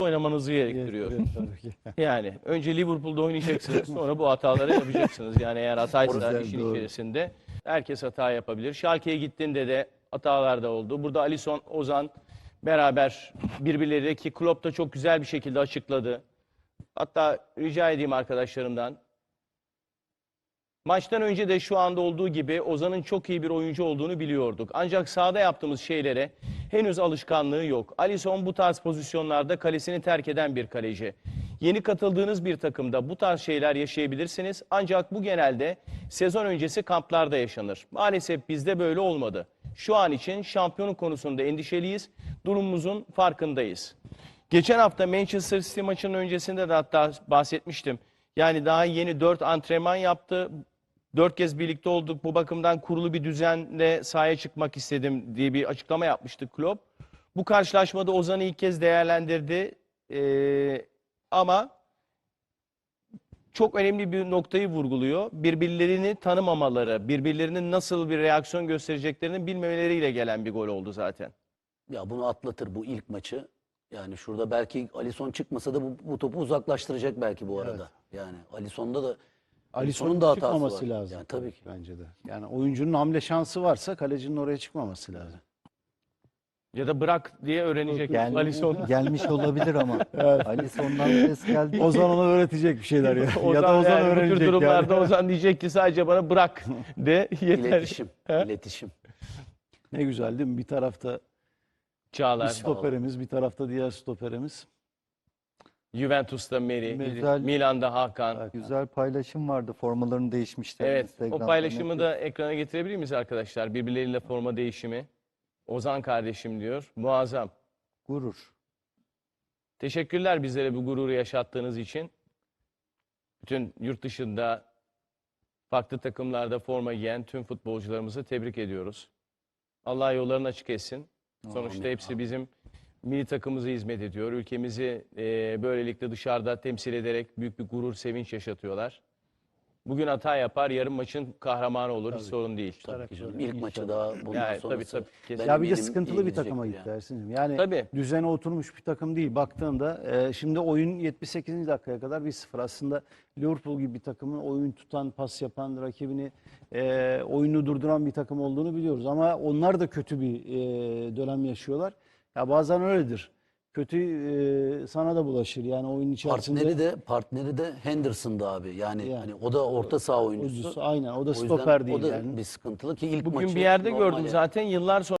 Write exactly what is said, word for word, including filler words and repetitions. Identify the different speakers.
Speaker 1: oynamanızı gerektiriyor. Yani önce Liverpool'da oynayacaksınız, sonra bu hataları yapacaksınız. Yani eğer hataysa işin doğru. içerisinde herkes hata yapabilir. Schalke'ye gittiğinde de hatalar da oldu. Burada Alisson, Ozan beraber birbirleri ki Klopp da çok güzel bir şekilde açıkladı. Hatta rica edeyim arkadaşlarımdan. Maçtan önce de şu anda olduğu gibi Ozan'ın çok iyi bir oyuncu olduğunu biliyorduk. Ancak sahada yaptığımız şeylere henüz alışkanlığı yok. Alisson bu tarz pozisyonlarda kalesini terk eden bir kaleci. Yeni katıldığınız bir takımda bu tarz şeyler yaşayabilirsiniz. Ancak bu genelde sezon öncesi kamplarda yaşanır. Maalesef bizde böyle olmadı. Şu an için şampiyonluk konusunda endişeliyiz. Durumumuzun farkındayız. Geçen hafta Manchester City maçının öncesinde de hatta bahsetmiştim. Yani daha yeni dört antrenman yaptı. Dört kez birlikte olduk. Bu bakımdan kurulu bir düzenle sahaya çıkmak istedim diye bir açıklama yapmıştı Klopp. Bu karşılaşmada Ozan'ı ilk kez değerlendirdi. Ee, ama çok önemli bir noktayı vurguluyor. Birbirlerini tanımamaları, birbirlerinin nasıl bir reaksiyon göstereceklerini bilmemeleriyle gelen bir gol oldu zaten.
Speaker 2: Ya bunu atlatır bu ilk maçı. Yani şurada belki Alisson çıkmasa da bu, bu topu uzaklaştıracak belki bu arada. Evet. Yani Alisson'da da
Speaker 3: Alisson'un
Speaker 2: da
Speaker 3: çıkmaması
Speaker 2: var.
Speaker 3: lazım.
Speaker 2: Yani tabii ki.
Speaker 3: Bence de. Yani oyuncunun hamle şansı varsa kalecinin oraya çıkmaması lazım.
Speaker 1: Ya da bırak diye öğrenecek
Speaker 4: Gel,
Speaker 1: Alisson.
Speaker 4: gelmiş olabilir ama. Evet. Alisson'dan ses geldi.
Speaker 3: Ozan ona öğretecek bir şeyler ya.
Speaker 1: Ozan,
Speaker 3: ya da Ozan
Speaker 1: yani
Speaker 3: öğrenecek
Speaker 1: bu tür durumlarda
Speaker 3: yani.
Speaker 1: Ozan diyecek ki sadece bana bırak de yeter.
Speaker 2: İletişim. İletişim.
Speaker 3: Ne güzel değil mi? Bir tarafta
Speaker 1: Çağlar.
Speaker 3: bir stoperimiz, bir tarafta diğer stoperimiz.
Speaker 1: Juventus'ta Meri,
Speaker 4: Güzel.
Speaker 1: Milan'da Hakan.
Speaker 4: Güzel paylaşım vardı. Formalarını değişmişler.
Speaker 1: Evet, o
Speaker 4: Instagram'da.
Speaker 1: paylaşımı da ekrana getirebilir miyiz arkadaşlar? Birbirleriyle forma değişimi. Ozan kardeşim diyor. Muazzam.
Speaker 4: Gurur.
Speaker 1: Teşekkürler bizlere bu gururu yaşattığınız için. Bütün yurt dışında farklı takımlarda forma giyen tüm futbolcularımızı tebrik ediyoruz. Allah yollarını açık etsin. Sonuçta hepsi bizim milli takımımıza hizmet ediyor. Ülkemizi e, böylelikle dışarıda temsil ederek büyük bir gurur, sevinç yaşatıyorlar. Bugün hata yapar, yarın maçın kahramanı olur. Hiç sorun değil.
Speaker 2: Tabii ki canım. İlk maçı daha bundan
Speaker 1: Yani,
Speaker 2: sonrası.
Speaker 1: tabii, tabii,
Speaker 2: benim
Speaker 3: Ya bir de
Speaker 2: elim
Speaker 3: sıkıntılı
Speaker 2: iyi
Speaker 3: bir takıma
Speaker 2: gidecektir
Speaker 3: gitti Ersin'cim. Yani
Speaker 1: Tabii.
Speaker 3: düzene oturmuş bir takım değil baktığında. E, şimdi oyun yetmiş sekizinci dakikaya kadar bir sıfır. Aslında Liverpool gibi bir takımın oyun tutan, pas yapan, rakibini e, oyunu durduran bir takım olduğunu biliyoruz. Ama onlar da kötü bir e, dönem yaşıyorlar. Ya bazen öyledir. Kötü e, sana da bulaşır. Yani oyun içerisinde.
Speaker 2: Partneri de partneri de Henderson'dı abi. Yani,
Speaker 3: Yani.
Speaker 2: hani o da orta saha oyuncusu.
Speaker 3: Oyuncusu, aynen. O da
Speaker 2: O yüzden
Speaker 3: stoper değil
Speaker 2: o da
Speaker 3: yani.
Speaker 2: bir sıkıntılı ki ilk
Speaker 1: Bugün
Speaker 2: maçı
Speaker 1: bir yerde
Speaker 2: normal
Speaker 1: gördüm
Speaker 2: yani.
Speaker 1: zaten yıllar sonra.